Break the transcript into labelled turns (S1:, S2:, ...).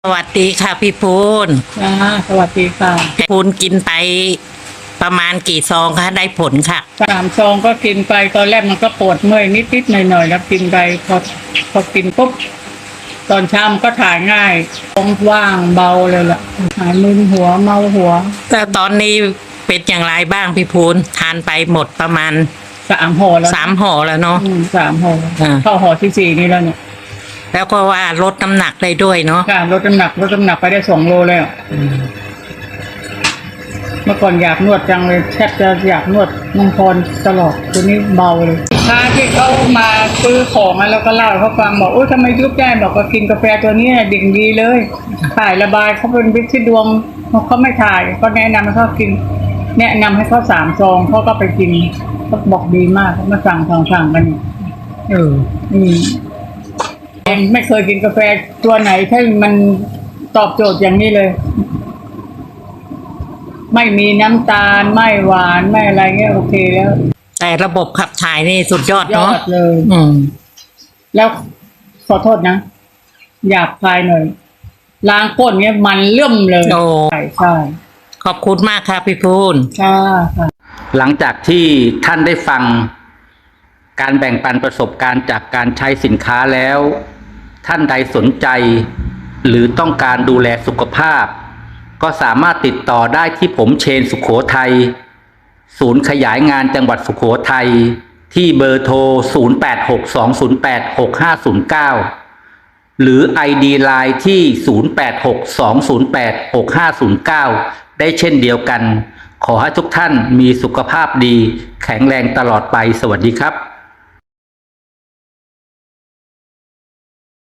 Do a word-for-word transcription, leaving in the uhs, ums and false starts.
S1: วัสดีค่ะพี่พูน
S2: จ้าสวัสดีค่ะ
S1: พี่พูนกินไปประมาณกี่ซองคะได้ผลค่ะ
S2: สามซองก็กินไปตอนแรกมันก็ปวดเมื่อยนิดๆหน่อยๆแล้วกินไปพอพอกินปุ๊บตอนเช้ามันก็ถ่ายง่ายท้องว่างเบาเลยล่ะหายมึนหัวเมาหัว
S1: แต่ตอนนี้เป็นอย่างไรบ้างพี่พูนทานไปหมดประมาณ
S2: สามห่อแล้ว
S1: สามห่อแล้วเนาะ
S2: อืมสามห่อ
S1: อ่า
S2: เข้าห่อที่สี่นี่แล้วเนี่ย
S1: แล้วก็ว่าลดน้ำหนักได้ด้วยเนาะ
S2: ค่ะลดน้ำหนักลดน้ำหนักไปได้สองโลแล้วเมื่อก่อนอยากนวดจังเลยแทบจะอยากนวดมังพรตลอดตัวนี้เบาเลยถ้าที่เขามาซื้อของแล้วก็เล่าให้เขาฟังบอกโอ้ทำไมยุบได้บอกว่ากินกาแฟตัวนี้ดิ่งดีเลยถ่ายระบายเขาเป็นวิธีดวงเขาไม่ถ่ายก็แนะนำให้เขากินแนะนำให้เขาสามซองเขาก็ไปกินเขาบอกดีมากเขามาสั่งสั่งสั่งกันเอออืมเองไม่เคยกินกาแฟตัวไหนที่มันตอบโจทย์อย่างนี้เลย ไม่มีน้ำตาลไม่หวานไม่อะไรเงี้ยโอเคแล้ว
S1: แต่ระบบขับถ่ายนี่สุดยอด
S2: ยอ
S1: เนาะ
S2: ดเลย
S1: อืม
S2: แล้วขอโทษนะหยาบคายหน่อยล้างก้นเงี้ยมันเลื่อมเลย
S1: โอ้
S2: ใช่ใช่
S1: ขอบคุณมากค่ะพี่พูน
S2: ค่ะค่ะ
S3: หลังจากที่ท่านได้ฟังการแบ่งปันประสบการณ์จากการใช้สินค้าแล้ว ท่านใดสนใจ หรือต้องการดูแลสุขภาพ ก็สามารถติดต่อได้ที่ผมเชนสุขโขทัยศูนย์ขยายงานจังหวัดสุขโขทัยที่เบอร์โทรศูนย์ แปด หก สอง ศูนย์ แปด หก ห้า ศูนย์ เก้าหรือ ไอ ดี ไลน์ ที่ ศูนย์ แปด หก สอง ศูนย์ แปด หก ห้า ศูนย์ เก้า ได้เช่นเดียวกันขอให้ทุกท่านมีสุขภาพดีแข็งแรงตลอดไปสวัสดีครับ